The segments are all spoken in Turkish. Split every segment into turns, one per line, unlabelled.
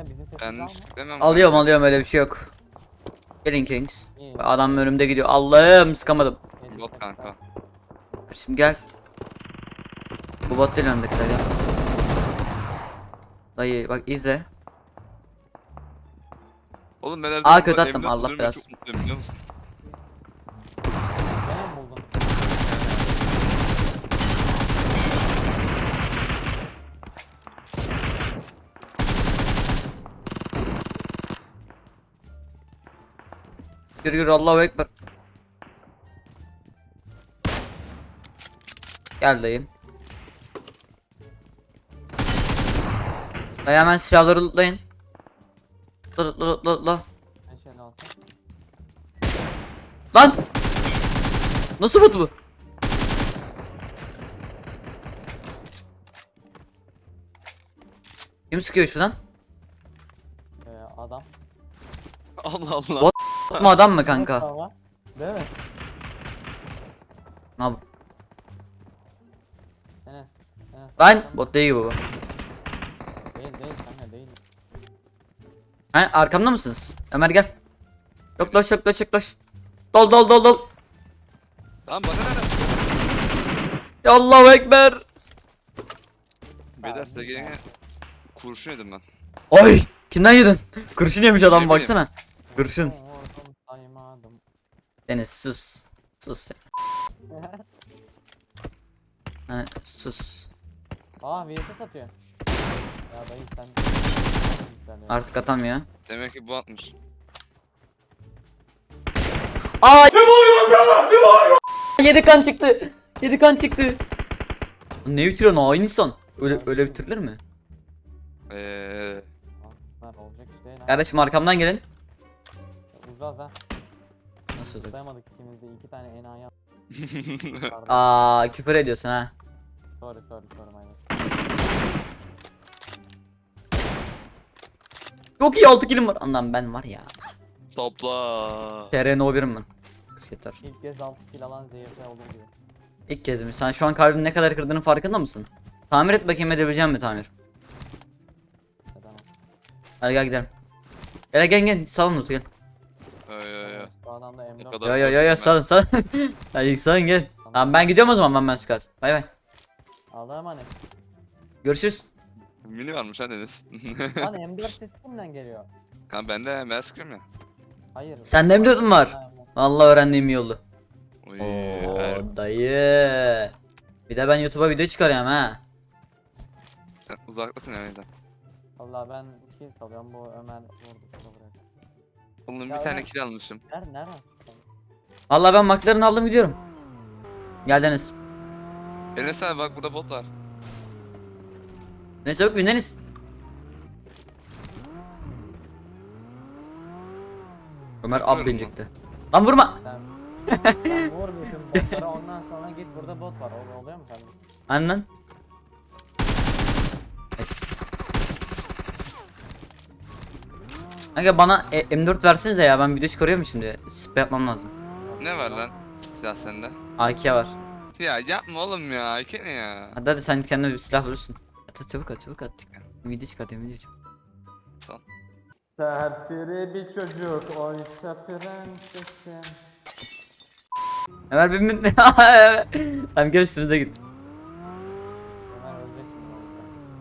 Enes bizim sesimizi
Ben
alma.
demem.
Alıyorum öyle bir şey yok. Gelin Kings.
İyi.
Adam önümde gidiyor. Allah'ım sıkamadım.
Enes
Bot
sesimizi
kanka.
al.
Şimdi gel. Bu bot değil öndekiler gel. Dayı bak izle.
Oğlum ben her
Aa,
zaman
kötü attım,
evimde
Allah
bulurum ve
biraz.
çok mutluyum biliyor musun?
Gene mi buldun?
Yürü Allahu Ekber. Gel dayım. Dayı hemen silahları lootlayın. Loot.
Ben şöyle alsam.
Lan! Nasıl bot bu? Kim sıkıyor şuradan?
Adam.
Allah Allah.
Bot mu adam mı kanka?
Ama, değil mi?
Ne yap-
Enes.
Lan bot değil bu.
Değil kanka değil.
Ha, arkamda mısınız? Ömer gel. Yoklaş. Dol.
Tamam bana ne?
Ya Allahu Ekber.
Beyler size gelene kurşun yedim ben.
Oy! Kimden yedin? Kurşun yemiş adam
Ne bileyim.
baksana. Kurşun.
Vurdum saymadım.
Deniz sus. Sus. Ha, sus.
Aa VT atıyor. Ya dayı sen.
Artık atamıyor.
Demek ki bu atmış.
Aa! Ne bağırıyorsun? 7 kan çıktı. 7 kan çıktı. Ne bitiriyorsun o insan? Öyle bitirilir mi?
Lan olacak iş değil ha.
Kardeşim arkamdan gelin.
Uzaz ha.
Nasıl olacak?
Tutayamadık ikimiz de 2 tane enayi attık.
Aa, küfür ediyorsun ha.
Sorry aynen.
Çok iyi 6 kilim var. Anlam ben var ya.
Topla.
TRN O1'im ben. Yeter.
İlk kez 6 kill alan ZYP olur gibi.
İlk kez mi? Sen şu an kalbini ne kadar kırdığının farkında mısın? Tamir et bakayım, edebileceğim mi tamir?
Tamam.
Hadi gel gidelim. Gel salın Utku gel.
Yo.
Bu adamda
O
M4.
kadar-
Yo salın. Hadi salın gel. Tamam ben gidiyorum o zaman ben Scott. Bay bay.
Allah'a emanet.
Görüşürüz.
Mini varmış ha Deniz.
Lan M4 sesi kimden geliyor?
Kan bende ben sıkıyorum ya.
Hayır.
Sende M4 mü var? Vallahi öğrendiğim iyi oldu.
Oy.
Oo dayı. Bir de ben YouTube'a video çıkarıyorum ha.
Uzaklasın ya neyden.
Valla ben kill salıyorum bu Ömer vurdu şunu bırak.
Oğlum
Ya
bir tane
ben-
kill almışım.
Nereden sıktın?
Vallahi ben McLaren aldım gidiyorum. Gel Deniz.
Enes abi bak burada bot var.
Ne çabuk bin Deniz. Ömer ab
Yapıyorum
binecekti. Lan vurma.
Sen vur bütün botlara ondan sonra git burada bot var. Oluyor mu sende?
Annen. Kanka bana M4 versenize ya, ben video çıkarıyorum şimdi. Spray yapmam lazım.
Ne var lan silah sende?
AK var.
Ya yapma oğlum ya. İki ne ya?
Hadi sen kendine bir silah bulursun. At çabuk at. Video çıkartıyorum video.
Son.
Serseri bir çocuk oysa prensesim.
Ömer bin. Tamam gel üstümüze git.
Ömer ölecek şimdi oysa.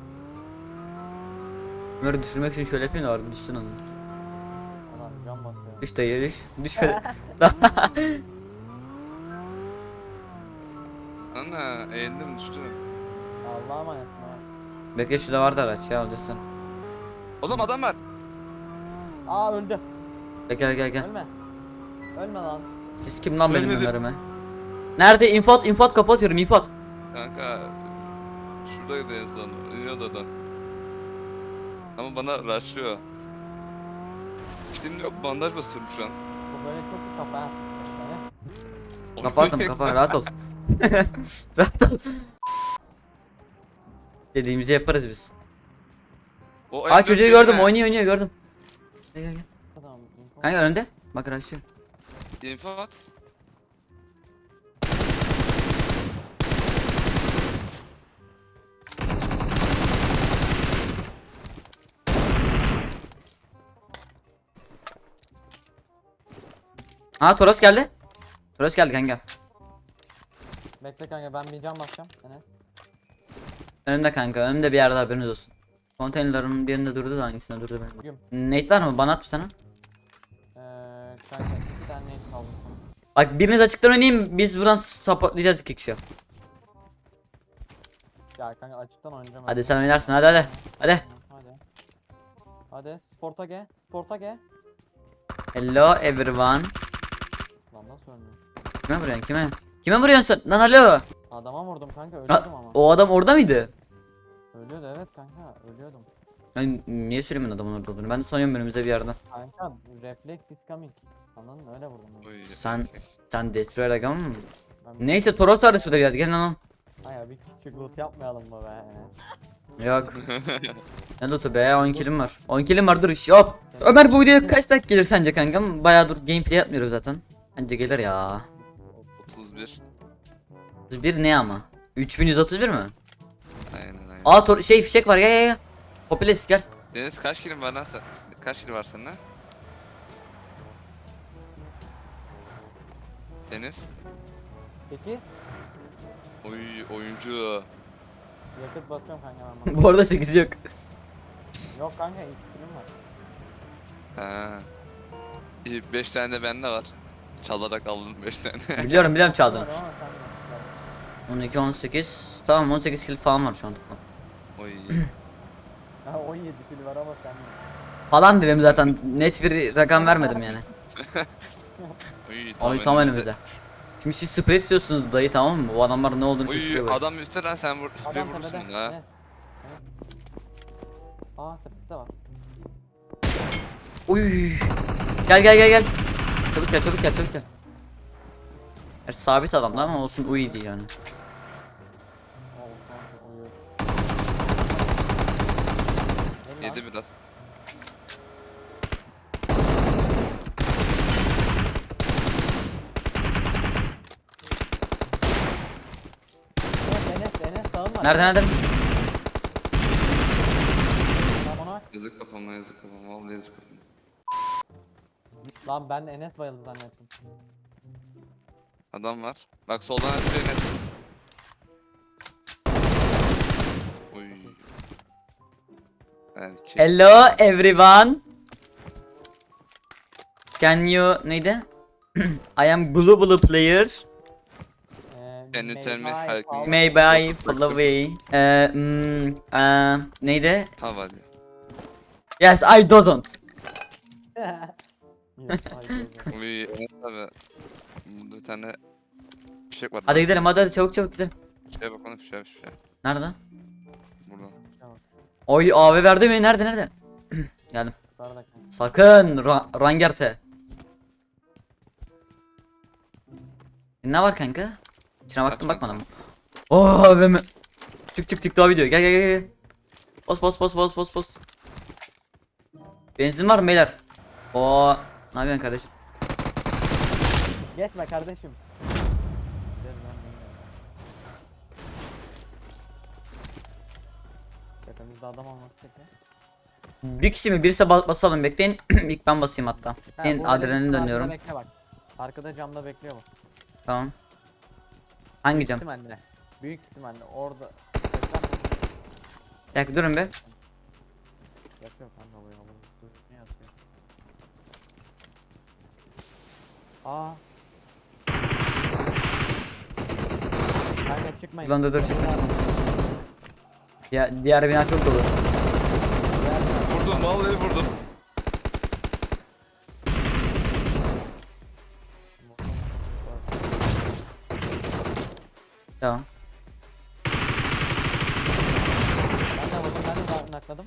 Ömer'i düşürmek için şöyle yapayım da var düşsün onu.
Adam can basıyor.
Düş dayı düş. Düş hadi.
Ana eğildim düştüm.
Allah'a emanetsin ha.
Bekle şurada vardı araç ya alacaksın.
Oğlum adam var.
Aa öldü.
Gel.
Ölme. Ölme lan.
Siz kim lan benim
Ölmedim.
Ömer'ime? Nerede? infot kapatıyorum infot.
Kanka şuradaydı en son. İniyordu adam. Ama bana rushlıyor. Şimdi yok bandaj basıyorum şu an.
Bu böyle çok iyi kafa ha. Enes.
Kapattım kafa rahat ol. Rahat ol. Dediğimizi yaparız biz.
O
Aa
M4
çocuğu
benim
gördüm
ha.
oynuyor gördüm. Gel.
Adam info.
Kanka önünde. Bak raşıyor.
Info at.
Aa Toros geldi. Toros geldi kanka.
Bekle kanka ben bir cam basacağım Enes.
Önümde kanka. Önümde bir yerde haberiniz olsun. Konteynerların birinde durdu da hangisinde durdu
Güm.
benim. Nate var mı? Bana at bir tane.
Kanka 2 tane neyse aldım sana.
Bak biriniz açıktan oynayayım. Biz buradan supportlayacağız 2 kişi.
Ya kanka açıktan oynayacağım.
Hadi sen oynarsın hadi hadi. Hadi.
Hadi. Hadi sporta ge. Sporta ge.
Hello everyone.
Lan nasıl ölmüyor?
Kime vuruyorsun kime? Kime vuruyorsun sen? Lan alo.
Adama vurdum kanka
Ha,
ölüyordum ama.
o adam orada mıydı?
Ölüyordu evet kanka ölüyordum.
Ben niye söylemiyorsun adamın orada olduğunu? Ben de sanıyorum önümüzde bir yerde.
Kanka reflex is coming. Anladın mı? Öyle vurdum. Ben.
Oy,
Sen-
erkek.
Sen Destroyer agam mı?
Ben
Neyse Toros da şurada bir yerde. Gelin lan.
Hayır bir küçük loot yapmayalım mı be Enes?
Yok. Ne loot'u be 10 kilim var. 10 kilim var dur iş hop. Ömer bu videoya kaç dakika gelir sence kankam? Bayağı dur gameplay yapmıyoruz zaten. Bence gelir ya.
31.
31 ne ama? 3131 mi?
Aynen aynen.
Aa şey fişek var gel. Hopiles gel.
Deniz kaç kilin var lan sen? Kaç kilo var sende? Deniz?
8.
Oy oyuncu.
Yakıt basıyorum kanka ben bana.
Bu arada 8 yok.
Yok kanka 2 kilim var.
Ha. İyi 5 tane de bende var. Çalarak aldım 5 tane.
Biliyorum çaldın.
Var ama sen de.
12 18 tamam 18 kill falan var şu an toplam.
Oy.
Ha 17 kilo var ama sen de.
Falan dedim zaten net bir rakam vermedim yani.
Oy
Ay tam önümüzde. Şimdi siz sprey istiyorsunuz dayı tamam mı? Bu adamlar ne olduğunu
Oy
şaşırıyor böyle.
adam üstte lan sen vur. Sprey
Adam
vurursun
tepede.
bunu ha.
Enes. Aa tepesi de var.
Uy. Gel. Çabuk gel. Gerçi sabit adamdı ama olsun uyuydu yani.
Oo, kanka, uyuyor. Gelin lan.
Yedi biraz.
Enes sağın var.
Nerede?
Lan ona bak.
Yazık kafama yazık kafama. Vallahi yazık kafama.
Lan ben Enes bayıldı zannettim.
Adam var. Bak soldan açıyor net. Oy. Erkek.
Hello everyone. Can you neydi? I am global player.
Can you tell me
May
how
I
can you-
Maybe I follow away. Neydi?
Hava.
Yes I don't.
Yine saygı.
Oy. Evet abi. Burada bir tane fişek var.
Hadi gidelim hadi çabuk gidelim.
Şuraya bak ona fişek.
Nerede?
Burada.
Oy AV verdi mi? Nerede? Geldim.
Yukarıda kanka.
Sakın Rangerte. Ne var kanka? İçine baktım bakmadım. Oo be mi? Çık daha video. Gel. Bos. Benzin var mı beyler? Oo ne yapıyorsun kardeşim?
Geçme kardeşim. Gel lan, gel. Tepemizde adam olması peki.
Bir kişi mi? Birisi basalım bekleyin. İlk ben basayım hatta. Ben
bu
adrenalin
arkada
dönüyorum.
Bekle bak. Arkada camda bekliyor bu.
Tamam. Hangi cam?
İhtimalle. Büyük ihtimalle orada.
Bir dakika durun be.
Yapıyor kanka bu ya. Ne yapıyor? Aa. Kanka çıkmayın.
Ulan dur çık. Ya diğer bina çok dolu.
Vurdum vallahi vurdum.
Tamam.
Ben de nakladım.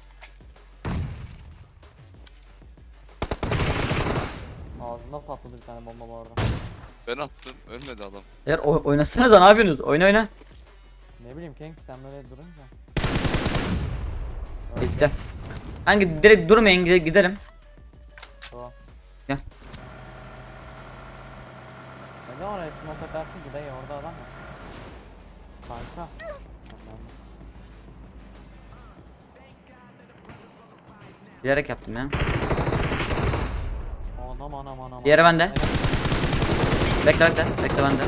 Ağzına patladı bir tane bomba bu arada.
Ben attım. Ölmedi adam.
Eğer oynasanıza ne yapıyorsunuz? Oyna.
Ne bileyim King sen böyle durunca.
Bitti. Hangi direkt durmayın gidelim.
Tamam.
Gel.
Neden oraya smoke atarsın ki dayı orada adam var. Kanka.
Bilerek yaptım ya.
O adam Anam.
Diğeri bende. Bekle. Bekle bende.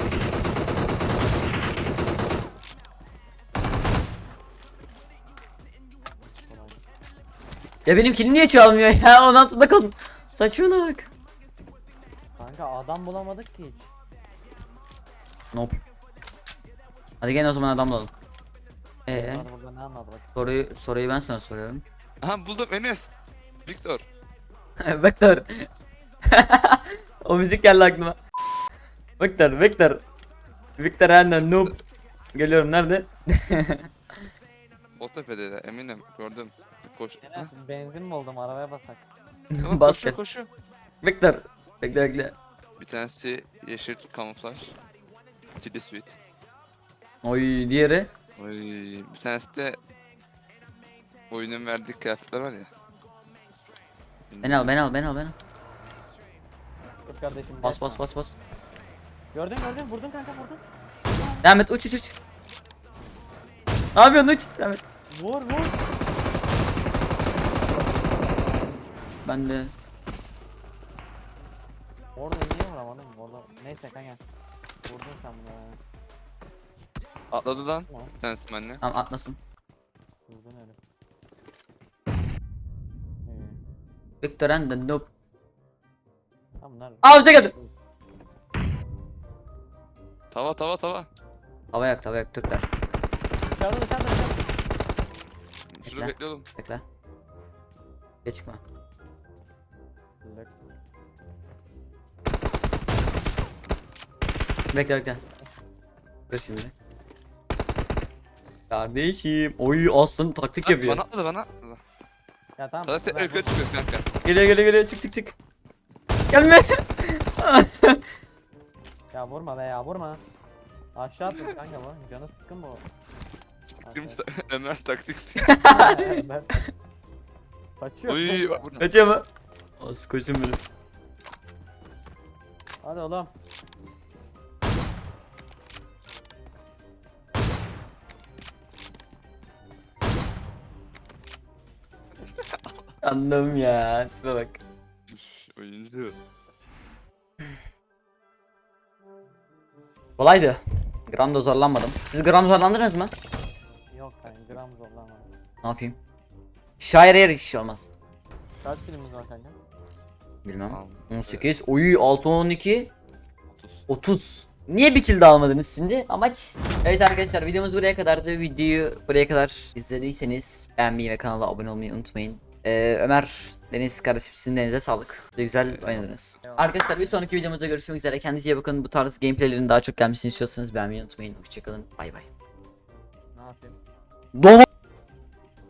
Ya benim kilim niye çalmıyor ya? 16'da kaldım. Saçmalama bak.
Kanka adam bulamadık ki hiç.
Nope. Hadi gel o zaman adam bulalım.
Bunlar burada ne anladı bak.
Soruyu ben sana soruyorum.
Aha buldum Enes. Victor.
Vektör. O müzik geldi aklıma. Vektör. Victor Enden noob. Geliyorum nerede?
O tepede de eminim gördüm. Koş. Ha?
Enes benzin mi oldum arabaya basak.
Tamam,
Basket.
koşuyor.
Vektör. Bekle.
Bir tanesi yeşil kamuflaj. Chili sweet.
Oy diğeri.
Oy, bir tanesi de oyunun verdiği kıyafetler var ya.
Ben al.
Dur kardeşim.
Bas.
geçme. Gördün vurdun kanka vurdun.
Devam et uç. Ne yapıyorsun uç? Devam et.
Vur.
Ben de.
Orada niye vuramadım orada. Neyse kanka. Vurdun sen bunu ya.
Atladı lan.
Tamam.
Bir tanesi benimle.
Tamam atlasın.
Vurdun öyle.
Vektör Enden noob.
Tamam bunlar.
Aa bize geldi.
Tava.
Hava yak Türkler.
Dışarıda.
Şurada
Bekle.
bekliyordum.
Bekle. Geç çıkma. Bekle. Dur şimdi. Kardeşim. Oy aslan taktik yapıyor.
Bana atladı.
Ya tamam.
Sana tekrar yukarı çıkıyor kanka.
Geliyor çık. Gelme.
Ya vurma be ya vurma. Aşağı atma kanka bu. Canı sıkkın bu.
Siktim Ömer taktik.
Ben... Kaçıyor.
Oy bak burada.
Kaçıyor mu? Az koçum benim.
Hadi oğlum.
Anladım ya. Tipe bak.
Oyuncu.
Kolaydı. Gramda zorlanmadım. Siz gram zorlandınız mı?
Yok kanka gram zorlama.
Ne yapayım? Şair yer hiç şey olmaz.
Kaç filmimiz var kanka?
Bilmem.
Tamam.
18. Oy 6 12
30.
30. Niye bir kill de almadınız şimdi? Amaç. Evet arkadaşlar videomuz buraya kadardı. Videoyu buraya kadar izlediyseniz beğenmeyi ve kanala abone olmayı unutmayın. Ömer, Deniz kardeşim sizin de elinize sağlık. Güzel oynadınız.
Eyvallah.
Arkadaşlar bir sonraki videomuzda görüşmek üzere. Kendinize iyi bakın. Bu tarz gameplaylerin daha çok gelmesini istiyorsanız beğenmeyi unutmayın. Hoşçakalın. Bay bay.
Ne yapayım?
Doğma.